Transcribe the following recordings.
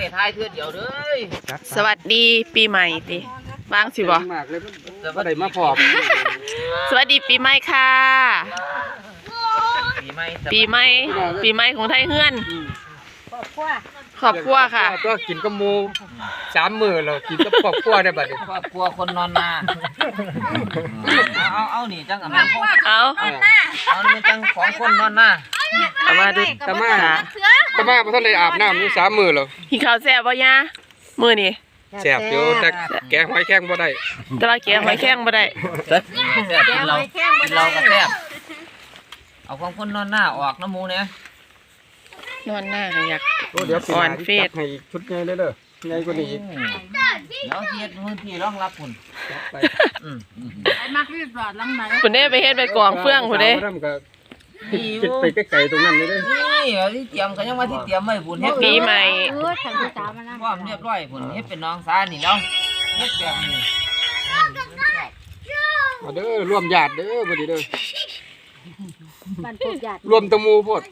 ท้ายเทื่อเดียวเด้อสวัสดีปีใหม่ติบ้างสิบ่บ่ได้มาพอบสวัสดีปีใหม่ค่ะปีใหม่ของไทยเฮือนครอบครัวค่ะก็กินกับหมู3 มื้อแล้วกินกับครอบครัวได้บัดนี้ครอบครัวคนนอนนาเอานี่จังอันนั้นเอานี่จังของคนนอนนาเอามาดูตะมาบ่ทันได้อาบน้ำอยู่3 มื้อแล้วกินข้าวแซ่บบ่ยะมื้อนี้แซ่บอยู่แต่แกงหอยแข้งบ่ได้แต่ว่าแกงหอยแข้งบ่ได้กินเราก็แซ่บเอาของคนนอนหน้าออกน้ำหมูเนี่ยนอนหน้าก็อยากเดี๋ยวอ่อนเฟสให้ชุดใหญ่เลยเด้อใหญ่กว่านี้อีกแล้วเฮ็ดมื้อที่รองรับพุ่นไอ้มักรีบรอดลังไหนพุ่นเด้ไปเฮ็ดไปกองเฟืองพุ่นเด้คิดไปไกลๆตรงนั้นเลยเด้นี่ที่เตรียมก็ยังมาที่เตรียมไว้พุ่นเฮ็ดปีใหม่ฉันจะตามมานะพร้อมเรียบร้อยพุ่นเฮ็ดเป็นน้องสานี่แล้วเฮ็ดแบบนี้มาเด้อรวมญาติเด้อบ่ดีเด้อบ้านพวกญาติรวมตะมูโพด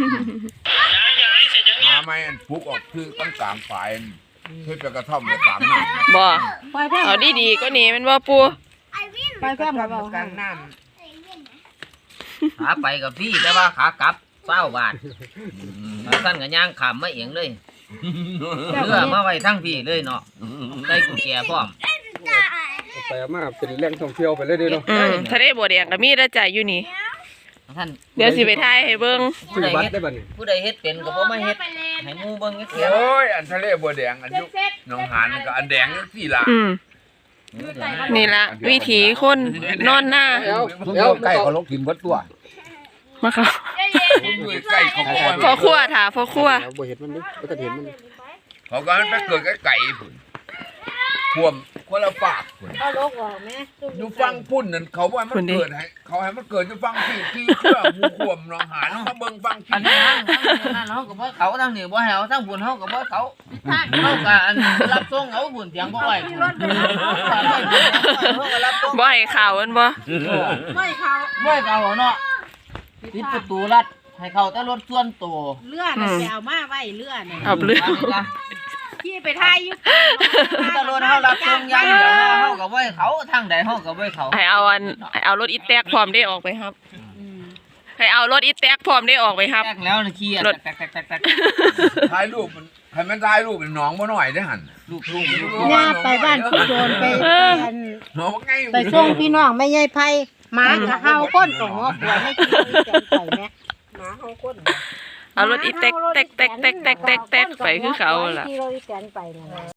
มาไม่อันฟุกออกคือตั้งกลางฝ่ายเฮ็ดไปกระท่อมไปตามน้ำบ่เอาดีๆก็นี่มันบ่ปูไปแค่บ่บ่กลางน้ำขาไปกับพี่แต่ว่าขากลับ20 บาทสั้นก็ย่างขามมาเองเลยเรือมาไว้ทั้งพี่เลยเนาะได้กุญแจพร้อมไปมาเป็นแหล่งท่องเที่ยวไปเลยเด้อเนาะทะเลบัวแดงก็มีแล้วจ้ะอยู่นี่เดี๋ยวสิไปถ่ายให้เบิ่งผู้ใดเฮ็ดเป็นก็บ่มาเฮ็ดให้หมู่เบิ่งจักเที่ยโอ้ยอันทะเลบัวแดงอันยุหนองหานก็อันแดงจังซี่ล่ะนี่ล่ะวิถีคนนอนหน้าแล้วไก่เขาลกกินเบิดตัวมาค่ะไก่เขาพ่อครัวถาพ่อครัวบ่เห็นมันดิบ่ทันเห็นมันเขาก็มันไปเกิดไก่พุ่นท่วมคนละฝากพุ่นเอาลกออกแม่อยู่ฟังพุ่นนั่นเขาว่ามันเกิดให้เขาให้มันเกิดอยู่ฟังที่เพื่อหมู่ขวมหนองหานมาเบิ่งฟังอันนั้นเฮาก็บ่เขาทางนี้บ่ให้เอาทางบุญเฮาก็บ่เขาก็อันรับส่งเอาบุญเถียงบ่ไหวบ่ให้ข่าวมันบ่ไม่เขาเนาะปิดประตูลัดให้เขาแต่รถส่วนตัวเลื่อนน่ะไปเอามาไว้เลื่อนเอาเลื่อนพี่ไปทายอยู่ตะโลนเฮารับส่งอย่างเดียวเฮาก็บ่ให้เขาทางใดเฮาก็บ่ให้เขาให้เอารถอีแตกพร้อมได้ออกไปครับให้เอารถอีแตกพร้อมได้ออกไปครับแตกแล้วขี่รถถ่ายรูปมันให้มันถ่ายรูปเป็นน้องบ่หน่อยได้หั่นลูกย่าไปบ้านพี่โดนไปน้องไงไปส่งพี่น้องแม่ใหญ่ไผหมาก็เฮาก้นตรงหัวปวดให้กินแกงไก่แม่หมาเฮาก้นเอารถอีแตกไปคือเขาล่ะ